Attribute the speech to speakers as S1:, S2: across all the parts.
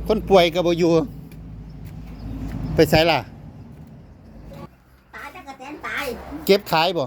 S1: คนป่วยก็บ่อยู่ไปไสล่ะ
S2: ตายจักกะแตนตาย
S1: เก็บขายบ่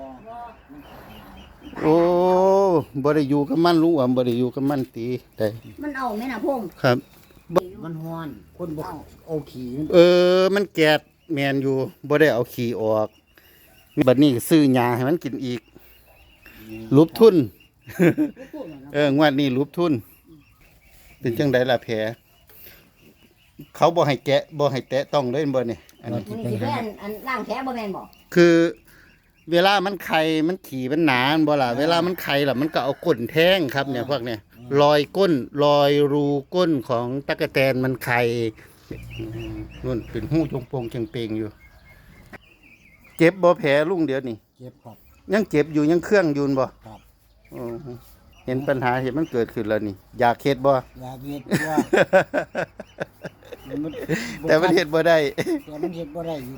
S1: โอ้บ่ได้อยู่กับมันลุงอ๋อมบ่ได้อยู่กับมันตีได้
S2: มันเอาแม่น่ะพง
S1: ครับ
S3: มันฮ้อนคนบ่เอาขี้
S1: มันแกดแม่นอยู่บ่ได้เอาขี้ออกบัดนี้ซื้อหญ้าให้มันกินอีกรูปทุนงวดนี้รูปทุนเป็นจังได๋ล่ะแผลเขาบ่ให้แกะบ่ให้แตะต้องเลยบ่นี่อันนี้
S2: นี่สิเป็นอันล่างแผลบ่แม่นบ่
S1: คือเวลามันไข่มันขี่มันหนาบ่ล่ะเวลามันไข่ล่ะมันก็เอาก้นแทงครับเนี่ยพวกเนี่ยรอยก้นรอยรูก้นของตั๊กแตนมันไข่นู่นเป็นหู้จงโปงจังเปงอยู่เจ็บบ่แผลลุงเดี๋ยวนี้
S3: เจ็บครับ
S1: ยังเจ็บอยู่ยังเครื่องอยู่บ่
S3: ครับ
S1: เห็นปัญหาเห็นมันเกิดขึ้นแล้วนี่อยากเฮ็ดบ่
S3: อยากเฮ็ดว่า
S1: แต่มันเฮ็ดบ่ได้
S3: แต่มันเฮ็ดบ่ได้อยู่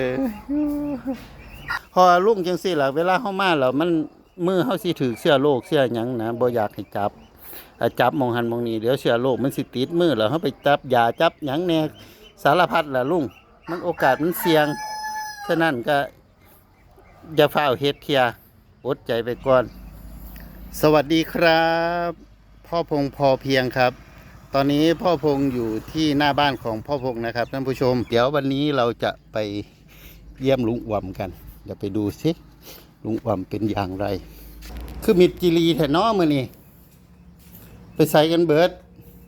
S1: พอลุงจังซี่ล่ะเวลาเฮามาแล้วมันมือเฮาสิถูกเชื้อโรคเชื้อหยังนะบ่อยากให้จับจับมองหันมองนี่เดี๋ยวเชื้อโรคมันสิติดมือแล้วเฮาไปจับยาจับหยังแน่สารพัดล่ะลุงมันโอกาสมันเสี่ยงฉะนั้นก็อย่าฟ้าวเฮ็ดเที่ยอดใจไปก่อนสวัสดีครับพ่อพงพอเพียงครับตอนนี้พ่อพงอยู่ที่หน้าบ้านของพ่อพงนะครับท่านผู้ชมเดี๋ยววันนี้เราจะไปเยี่ยมลุงอ่ำกันเดี๋ยวไปดูสิลุงอ่ำเป็นอย่างไรคือมิดจิรีแถน้อมือนี่ไปใส่กันเบิด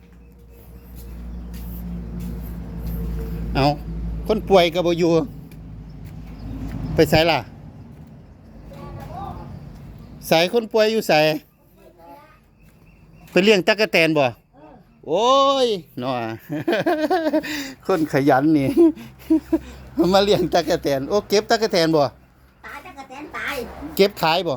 S1: เอาคนป่วยก็บ่อยู่ไปใส่ล่ะใส่คนป่วยอยู่ใส่ไปเลี้ยงตั๊กแตนบ่โอ้ยเนาะคนขยันนี่มาเลี้ยงตั๊กแตนโอ้เก็บตั๊กแตนบ่
S2: ตายจักกะแตนตาย
S1: เก็บขายบ่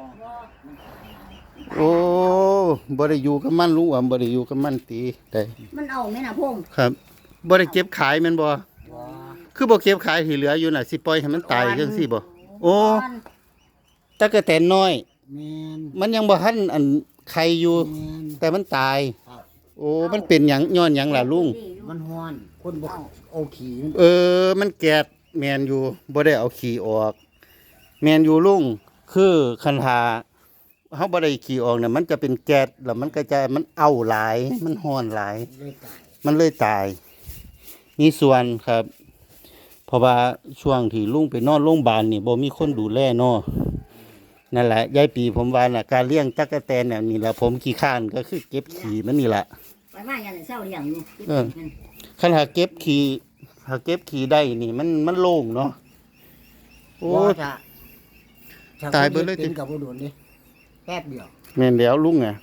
S1: โอ้บ่ได้อยู่กับมันลุงอ๋อมบ่ได้อยู่กับมันตีได้
S2: มันเอาแม่น่ะพง
S1: ครับบ่ได้เก็บขายแม่นบ่คือบ่เก็บขายที่เหลืออยู่น่ะสิปล่อยให้มันตายจังซี่บ่โอ้ตั๊กแตนน้อยมันยังบ่ทันอันไข่อยู่แต่มันตายโอ้มันเป็นหยังย้อนหยังล่ะลุง
S3: มันฮ้อนคนบ่เอาขี้
S1: มันแกดแม่นอยู่บ่ได้เอาขี้ออกแม่นอยู่ลุงคือคันหาเฮาบ่ได้ขี้ออกเนี่ยมันจะเป็นแก๊สแล้วมันก็จะมันเอาหลายมันฮ้อนหลายมันเลยตายนี่ส่วนครับเพราะว่าช่วงที่ลุงไปนอนโรงพยาบาลนี่บ่มีคนดูแลเนาะนั่นแหละยายปีผมว่าน่ะการเลี้ยงตั๊กแตนเนี่ยนี่แหละผมขี้ข้านก็คือเก็บขี้มันนี่แหละ
S2: ไปมาอย่างเช้าเลี้ยงอยู่
S1: คันหาเก็บขี้ได้นี่มันโล่งเนาะโอ้ตายเบิดเลย
S3: เป็นกับบ่โดนเด้แป๊บเดียว
S1: แม่นแล้วลุงอ่ะ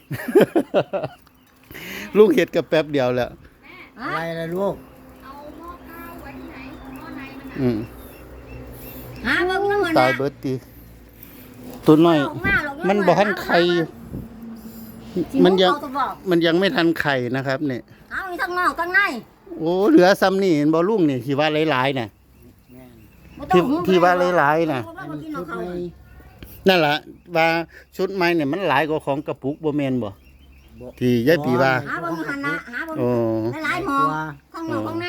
S1: ลุงเฮ็ดกับแป๊บเดียวแล้ว
S3: อะไรล่ะลูก
S2: เอาหม้อข้าวไว้ที่ไหนหม้อในมัน
S1: หา
S2: เบิ่งนำ
S1: ตายเบิดติตัวน้อยมันบ่ทันไข่มันยังไม่ทันไข่นะครับเนี่ย
S2: เอาอีทั้งนอกทั้งใน
S1: โอ้เหลือซ้ำนี่เห็นบ่ลุงนี่ที่ว่าหลายๆน่ะที่ว่าหลายๆน่ะนั่นล่ะว่าชุดใหม่เนี่ยมันหลายกว่าของกระปุกบ่แม่นบ่ที่ยายปีว่า
S2: หาเบิ่งหั่นน่ะหาเบิ่งหลายหม้อทั้งนอกทั้งใน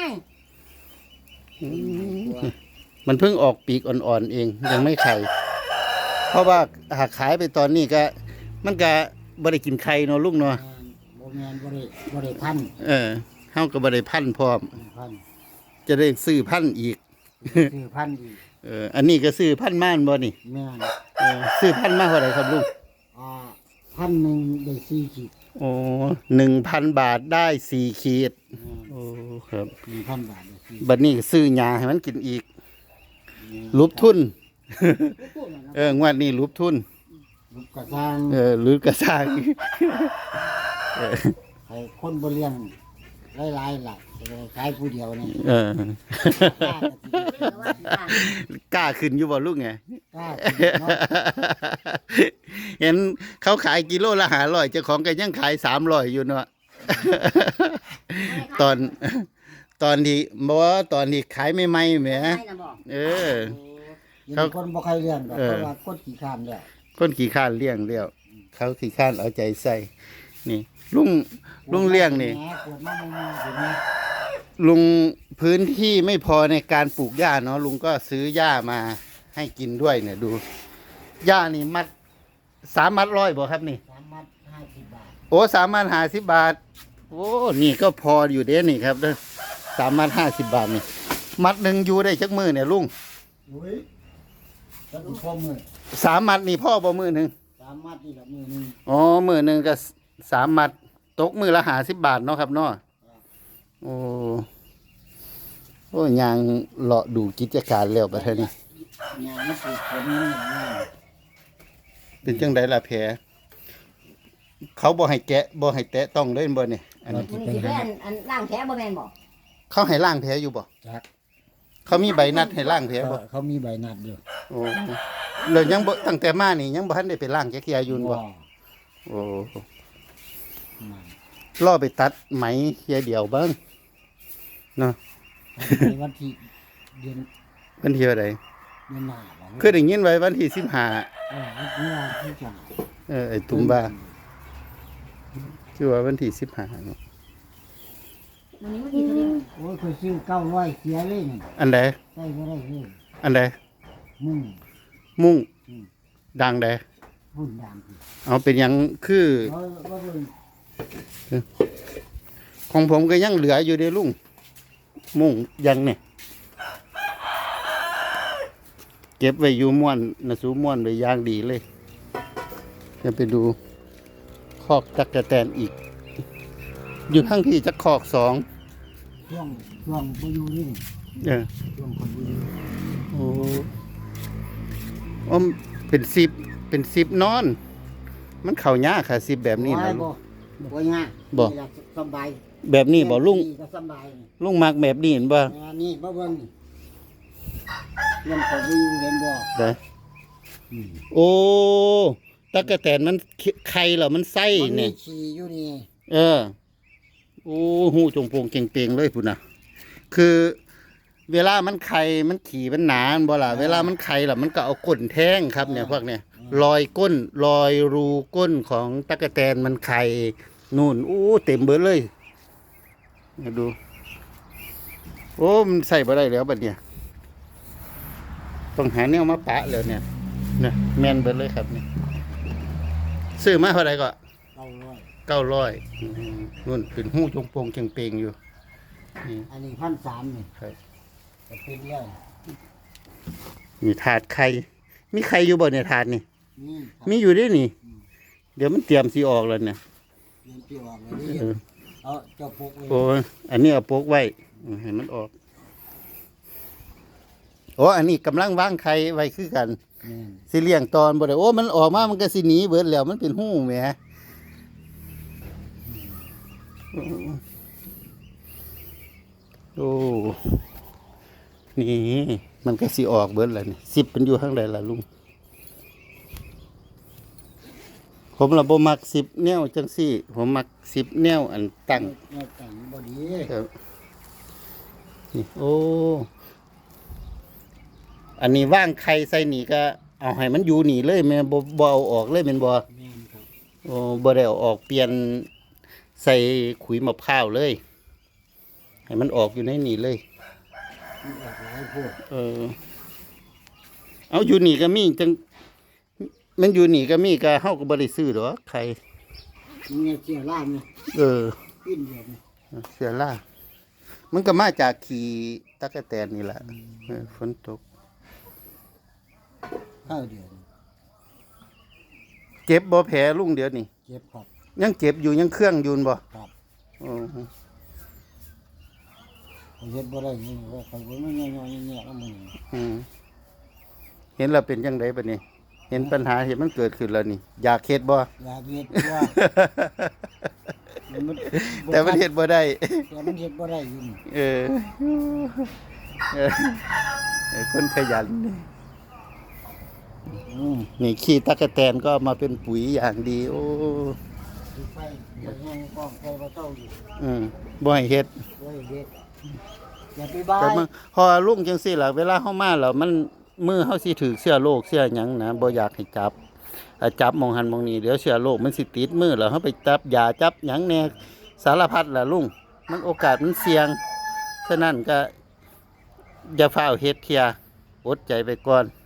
S1: มันเพิ่งออกปีกอ่อนๆเองยังไม่ไข่เพราะว่าหากขายไปตอนนี้ก็มันก็บ่ได้กินไข่เนาะลุงเนาะ
S3: บ่แม่นบ่ได้พัน
S1: เฮาก็บ่ได้พันพร้อมจะได้ซื้อพันอีก
S3: ซื้อพันอีก
S1: อันนี้ก็ซื้อพันม่านบ่นี่
S3: แม่น
S1: ซื้อพันมาเท่าไหร่ครับลุง
S3: 1,000ได้4ขีด
S1: โอ้ 1,000 บาทได้4ขีดโอ้ครับ
S3: 1,000 บาทได้4
S1: บัดนี้ซื้อหญ้าให้มันกินอีกรูปทุนงวดนี้รูปทุน
S3: รูปกระซัง
S1: หรือกระซัง
S3: ให้คนบ่เลี้ยงหลายๆล่ะขายผู้เดียวนี่
S1: กล้าขึ้นอยู่บ่ลุงไง
S3: กล้า
S1: เห็นเขาขายกิโลละ500เจ้าของก็ยังขาย300อยู่เนาะตอนที่บ่ตอนที่ขายใหม่ๆแหม
S3: เขาคนบ่ใครเลี้ยงดอกเพราะว่าคนขี้ข้านแล้ว
S1: คนขี้ข้านเลี้ยงแล้วเขาขี้ข้านเอาใจใส่นี่ลุงเลี้ยงนี่
S3: แหมปวดมากเลยเห็นไหม
S1: ลุงพื้นที่ไม่พอในการปลูกหญ้าเนาะลุงก็ซื้อหญ้ามาให้กินด้วยเนี่ยดูหญ้านี่มัด3 มัด100บ่ครับนี่
S3: 3 มัด 50 บาท
S1: โอ้3 มัด50 บาทโอ้นี่ก็พออยู่เด้นี่ครับเด้อ3 มัด50 บาทนี่มัดหนึ่งอยู่ได้จักมือเนี่ยลุง
S3: อุ้ยก็ถูกพ่อมือ
S1: 3 มัดนี่พ่อบ่มือหนึ่ง
S3: 3 มัดนี่ละมือหนึง
S1: อ๋อมือหนึ่งก็3 มัดตกมือละ50 บาทเนาะครับเนาะโอ้โอ้ยางเลาะดูกิจการแล้วประเทศนี้
S3: งานมันปลูกผลนี่ง่าย
S1: เป็นจังไดล่ะแผลเขาบ่ให้แกะบ่ให้แตะต้องเลยบ่เนี่ยอันนี้
S2: มันสิเป็นอันล่างแผลบ่แม่นบ่
S1: เขาให้ล้างแผลอยู่บ่
S3: จัก
S1: เขามีใบนัดให้ล้างแผลบ่
S3: เขามีใบนัดอยู่
S1: โอ้แล้วยังบ่ตั้งแต่มานี่ยังบ่ทันได้ไปล้างแกะเกียอยู่บ่โอ้รอไปตัดไหมเทียเดียวเบิ่งเนาะ
S3: ในวันที่เดือน
S1: วันที่เท่าใด
S3: เดือนหน้าบ่
S1: คือได้ยินไว้วันที่15
S3: วันที่ที่จะ
S1: ไอ้ตุ้มบ้าคือว่าวันที่15เนาะ
S2: วันนี้มันกี่เท่าเดียว
S3: โอ้ยเคยซื้อ900เสียเลยนี่
S1: อันใด
S3: ได้บ่ได้เลย
S1: อันใด
S3: มุ่ง
S1: มุ่ง
S3: อืม
S1: ดังใด
S3: หุ่นดังคือ
S1: เอาเป็นหยังคือ
S3: บ่เบิ่ง
S1: ของผมก็ยังเหลืออยู่เด้ลุงมุ่งยังเนี่ยเก็บไว้อยู่ม่วนนะสูม่วนไว้อย่างดีเลยจะไปดูคอกตั๊กแตนอีก อยู่ทั้งที่จะคอก2
S3: ช่วงบ่อยู่นี่
S1: เออ
S3: ช่วงคนบ่อยู่
S1: โอ้อมเป็น10นอน มันเข้ายากค่ะ10แบบนี้นะ
S3: บ่ยาก
S1: บ่
S3: นี่ล่ะสบาย
S1: แบบนี้บ่ลุง
S3: ก็สบาย
S1: ลุงมักแบบนี้เห็นบ่
S3: นี่บ่เบิ่งนี่เรื่องคนบ่อยู่เห็นบ่
S1: ได้
S3: อืม
S1: โอ้ตั๊กแตนมันไข่เหรอมันไส้
S3: มันมี
S1: เนี่ย
S3: ฉี่อยู่นี่
S1: เออ โอ้หูจงโปงเก่งเปงเลยพุ่นนะคือเวลามันไข่มันขี่มันหนาบ่ล่ะเวลามันไข่ล่ะมันก็เอาก้นแท่งครับเนี่ยพวกเนี่ยรอยก้นรอยรูก้นของตั๊กแตนมันไข่นู่นอู้เต็มเบิดเลยมาดู โอ้มันใส่บ่ได้แล้วบัดเนี่ยต้องหาแนวมาปะแล้วเนี่ยเนี่ยแม่นเบิดเลยครับเนี่ยซื้อมาเท่าไหร่ก็
S3: 900
S1: 900นู่นเป็นหูจงโปงเก่งเปงอยู่นี่
S3: อันนี้1,300นี่
S1: ครับ
S3: ก็เป็นแล้ว
S1: มีถาดไข่มีไข่อยู่บ่ในถาดนี่
S3: นี่ครับ
S1: มีอยู่ด้วยนี่ เดี๋ยวมันเตรียมสีออกแล้วเนี่ย
S3: เรียนที่ออกเลยนี่
S1: เออ
S3: เอาเจ้าพกไว้
S1: โอ้ยอันนี้เอาโปกไว้ให้มันออกโอ้อันนี้กำลังวางไข่ไว้คือกัน
S3: นี่
S1: สิเลี้ยงตอนบ่ได้โอ้มันออกมามันก็สิหนีเบิดแล้วมันเป็นหูแหมโอ้นี่มันก็สิออกเบิดแล้วนี่10เป็นอยู่ข้างใดล่ะลุงผมละบ่มัก10แนวจังซี่ผมมัก10แนวอันตั้ง
S3: แม่แต่งบ่ดี
S1: ครับนี่โอ้อันนี้ว่างไข่ใส่นี่ก็เอาให้มันอยู่นี่เลยแม่นบ่เอาออกเลยแม่นบ่
S3: แม่นครับ
S1: โอ้บ่ได้เอาออกเปลี่ยนใส่ขุยมะพร้าวเลย ให้มันออกอยู่ในนี่เลย
S3: มันออกหลายโพด
S1: เอาอยู่นี่ก็มีจังมันอยู่นี่ก็มีก็เฮาก็บ่ได้ซื้อดอกไข่
S3: มันเนี่ยเสียล่ามนี่
S1: เออ
S3: ขึ้นเดียวนี่
S1: เสียล่ามันก็มาจากขี่ตั๊กแตนนี่แหละฝนตก
S3: ข้าวเดียวนี่
S1: เจ็บบ่แผลลุงเดี๋ยวนี้
S3: เจ็บครับ
S1: ยังเจ็บอยู่ยังเครื่องอยูนบ่
S3: ครับ
S1: อ๋อ
S3: เขาเฮ็ดบ่ได้นี่ว่าเขาบ่แม่นย่อยๆแย่ๆแล้วมึง
S1: อืมเห็นแล้วเป็นจังไดบัดนี้ เห็นปัญหาเห็นมันเกิดขึ้นแล้วนี่ อยากเฮ็ดบ่
S3: อยากเฮ็ดว่ามัน
S1: แต่มันเฮ็ดบ่ได้
S3: แต่มันเฮ็ดบ่ได้อยู่นี่
S1: เออเออคนขยัน
S3: อืม
S1: นี่ขี้ตั๊กแตนก็เอามาเป็นปุ๋ยอย่างดี โอ้
S3: สิไปเดี๋ยวยังกองไปบ่เต้าอยู่
S1: บ่ให้เฮ็ด
S3: เว้ยเฮ็ดอย่าไปบ้า
S1: แต่
S3: ย
S1: มันพอลุงจังซี่ล่ะเวลาเฮามาแล้วมันมือเฮาสิถือเชื้อโรคเชื้อหยังนะบ่อยากให้จับจับหมองหันหมองนี้เดี๋ยวเชื้อโรคมันสิติดมือแล้วเฮาไปจับยาจับหยังแน่สารพัดล่ะลุงมันโอกาสมันเสี่ยงฉะนั้นก็อย่าฟ้าวเฮ็ดเที่ยอดใจไปก่อน